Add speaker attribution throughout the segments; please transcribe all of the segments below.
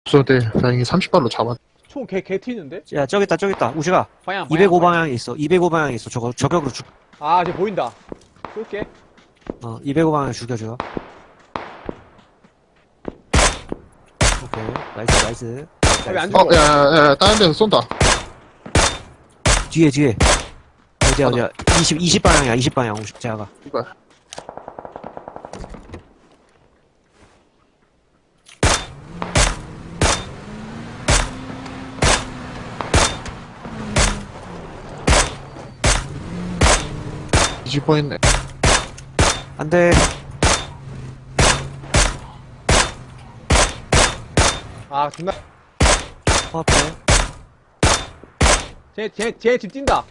Speaker 1: 없어도 다행히 30발로 잡았.
Speaker 2: 총 개 튀는데?
Speaker 3: 야, 저기 있다. 우시가.
Speaker 2: 방향
Speaker 3: 205 방향에 있어. 205 방향에 있어. 저격으로 죽.
Speaker 2: 아, 이제 보인다. 쏠게.
Speaker 3: 205 방향 죽여줘. 오케이. 나이스.
Speaker 2: 아, 왜안 죽어?
Speaker 1: 야, 다른 데서 쏜다.
Speaker 3: 뒤에. 어디야. 20 방향이야, 20 방향. 제가.
Speaker 1: 이발. 뒤질 뻔했네.
Speaker 3: 안 돼.
Speaker 2: 아, 존나.
Speaker 3: 앞에.
Speaker 2: 쟤 집 뛴다.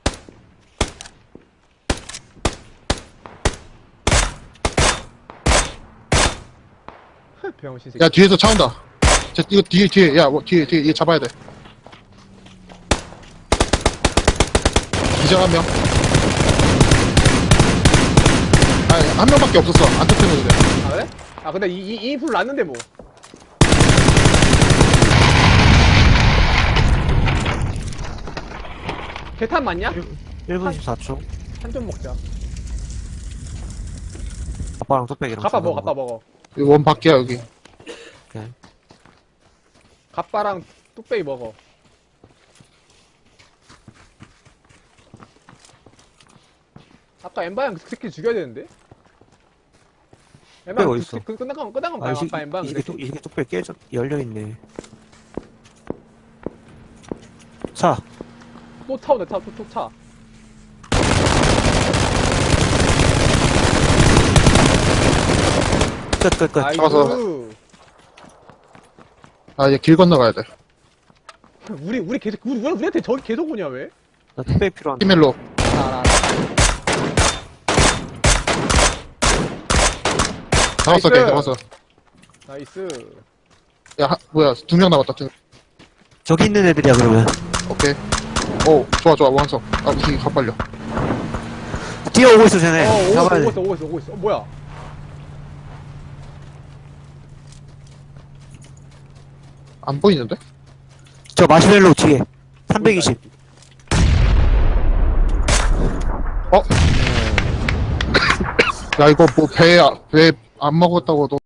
Speaker 2: 병신 새끼.
Speaker 1: 야, 뒤에서 차 온다. 이거 뒤에. 야, 뒤에. 얘 잡아야 돼. 기절 한 명. 아니, 한 명밖에 없었어. 안 터뜨려도 돼.
Speaker 2: 아, 그래? 아, 근데 이 인풀 났는데 뭐. 개탄 맞냐?
Speaker 3: 1분 14초.
Speaker 2: 한 점 먹자.
Speaker 3: 아빠랑 뚝배기랑.
Speaker 2: 갑바 먹어.
Speaker 1: 이거 원 밖이야, 여기.
Speaker 3: 오케이.
Speaker 2: 갑바랑 뚝배기 먹어. 아까 엠바양 그 새끼 죽여야 되는데? 엠바양
Speaker 3: 어딨어?
Speaker 2: 끝난 건 봐요. 아까 엠바양
Speaker 3: 이 새끼 뚝배기 열려있네. 차.
Speaker 2: 또 타오네, 또 차.
Speaker 3: 끝.
Speaker 1: 잡아서.
Speaker 2: 아이고.
Speaker 1: 아, 얘 길 건너가야 돼.
Speaker 2: 우리 계속, 우리한테 저기 계속 오냐, 왜?
Speaker 3: 나 뚝배기 필요한데.
Speaker 1: 히멜로.
Speaker 2: 알아.
Speaker 1: 잡았어, 걔 잡았어.
Speaker 2: 나이스.
Speaker 1: 야, 뭐야, 2명 남았다.
Speaker 3: 저기 있는 애들이야, 그러면.
Speaker 1: 오케이. 오, 좋아, 완성. 아, 이 새끼 가빨려.
Speaker 3: 뛰어오고 있어, 쟤네. 잡아야 돼.
Speaker 2: 오고 있어. 뭐야?
Speaker 1: 안 보이는데?
Speaker 3: 저 마시멜로 뒤에. 320.
Speaker 1: 야, 이거 뭐 배 안 먹었다고 너